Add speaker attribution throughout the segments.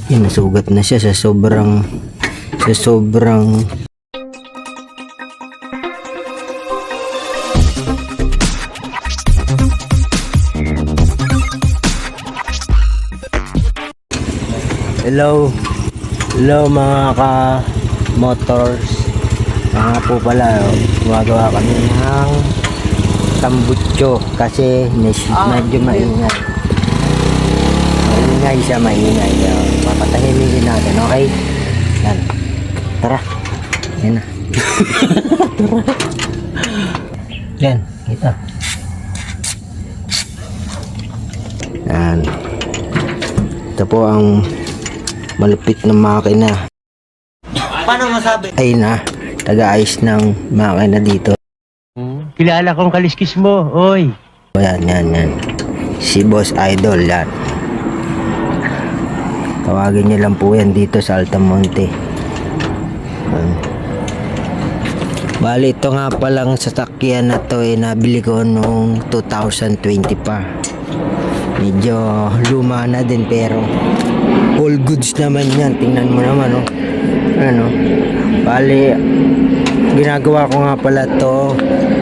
Speaker 1: Yan, nasugat na siya sa sobrang Hello mga ka-motors. Nga po pala, gumagawa kami ng tambutso kasi medyo maingay. Maingay. Papatahimigin natin, okay? Yan. Tara. Yan na. Tara. Yan, kita. Yan. Ito po ang malupit na makina.
Speaker 2: Paano masabi?
Speaker 1: Ay na, taga-ayos ng makina dito.
Speaker 3: Kilala kong kaliskis mo, oy.
Speaker 1: Yan. Si Boss Idol, yan. Tawagin niyo lang po yan dito sa Altamonte. Bali, ito nga palang sasakyan na to nabili ko noong 2020 pa. Medyo luma na din pero all goods naman yan. Tingnan mo naman, oh. Ano? Bali, ginagawa ko nga pala to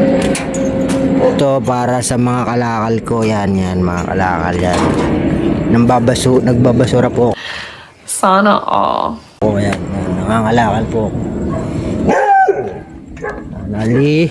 Speaker 1: para sa mga kalakal ko. Yan, mga kalakal yan. Nagbabasura po.
Speaker 4: Sana all.
Speaker 1: Oh, yan. Nangangalakal po. Ali.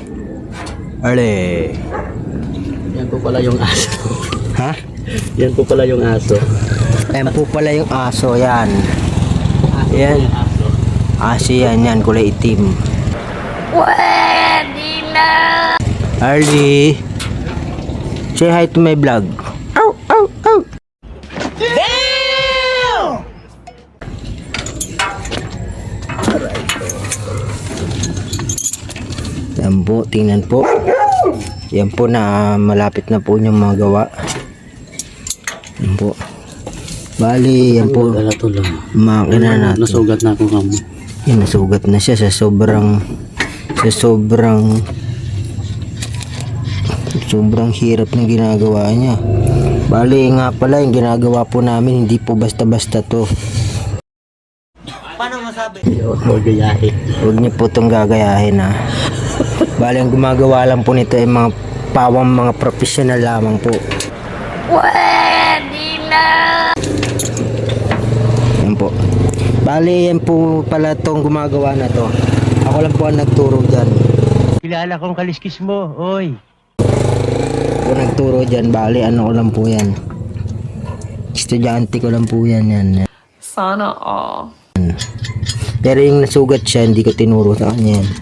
Speaker 2: Yan po pala yung aso.
Speaker 1: Ha?
Speaker 2: Yan po pala yung aso.
Speaker 1: Yan po pala yung aso, yan. Yan.
Speaker 2: Aso.
Speaker 1: Aso yan, kulay itim.
Speaker 4: Pwede na!
Speaker 1: Arlie, say hi to my vlog. Ow! Yan po, tingnan po. Yan po na malapit na po yung mga gawa. Yan po. Bali, yan po.
Speaker 2: Galato lang.
Speaker 1: Makina natin.
Speaker 2: Nasugat na ako kamo.
Speaker 1: Yan, nasugat na siya sa sobrang hirap na ginagawa niya. Bali nga pala, yung ginagawa po namin hindi po basta-basta to.
Speaker 2: Paano masabi? Huwag gayahin.
Speaker 1: Huwag niyo po itong gagayahin, ha. Bali, ang gumagawa lang po nito ay mga pawang mga professional lamang po.
Speaker 4: Pwede na!
Speaker 1: Yan po. Bali, yan po pala itong gumagawa na to. Ako lang po ang nagturo dyan.
Speaker 3: Kilala kong kaliskis mo, oy.
Speaker 1: Ako nagturo dyan. Bali, ano ko lang po yan. Estudyante ko lang po yan.
Speaker 4: Sana all.
Speaker 1: Pero yung nasugat siya, hindi ko tinuro sa kanya yan.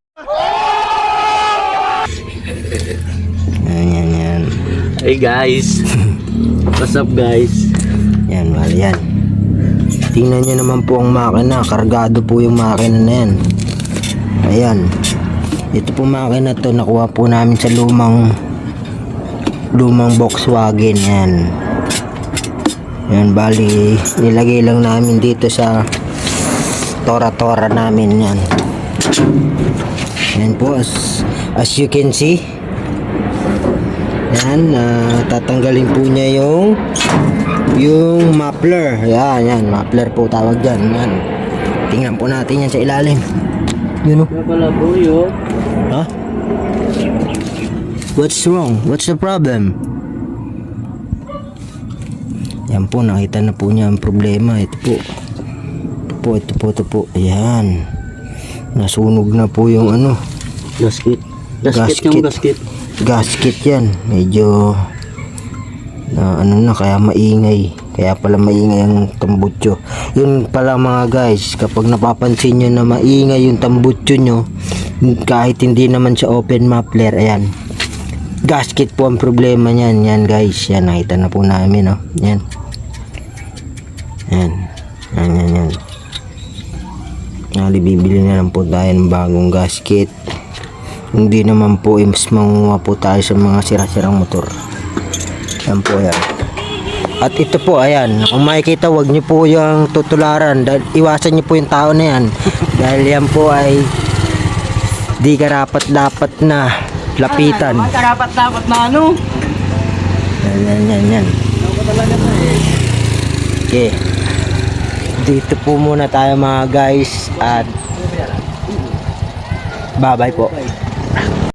Speaker 1: Yan.
Speaker 2: Hey guys. What's up guys?
Speaker 1: Yan, bali yan. Tingnan nyo naman po ang makina. Kargado po yung makina na yan. Ayan. Ito po makina to. Nakuha po namin sa lumang Volkswagen. Yan, bali. Nilagay lang namin dito sa tora namin yan. Yan po. As you can see. Yan, tatanggalin po niya yung muffler. Yan, muffler po tawag dyan. Yan. Tingnan po natin yan sa ilalim. Yun o.
Speaker 2: Kaya pala po yun.
Speaker 1: Ha? What's wrong? What's the problem? Yan po, nakita na po niya ang problema. Ito po. Ayan. Nasunog na po yung ano.
Speaker 2: Gasket
Speaker 1: Gasket yan. Medyo kaya maingay. Kaya pala maingay ang tambutso. Yun pala mga guys, kapag napapansin nyo na maingay yung tambutso nyo, kahit hindi naman sa open muffler, ayan. Gasket po ang problema niyan. Yan guys, yan nakita na po namin, oh. Yan. Bibili na lang po tayo ng bagong gasket. Hindi naman po mas manguha po tayo sa mga sira-sirang motor. Yan po yan. At ito po, ayan, kung makikita, wag niyo po yung tutularan. Iwasan niyo po yung tao na yan. Dahil yan po ay di karapat-dapat na lapitan.
Speaker 2: Karapat-dapat na ano?
Speaker 1: Yan. Okay. dito po muna tayo mga guys at bye bye po.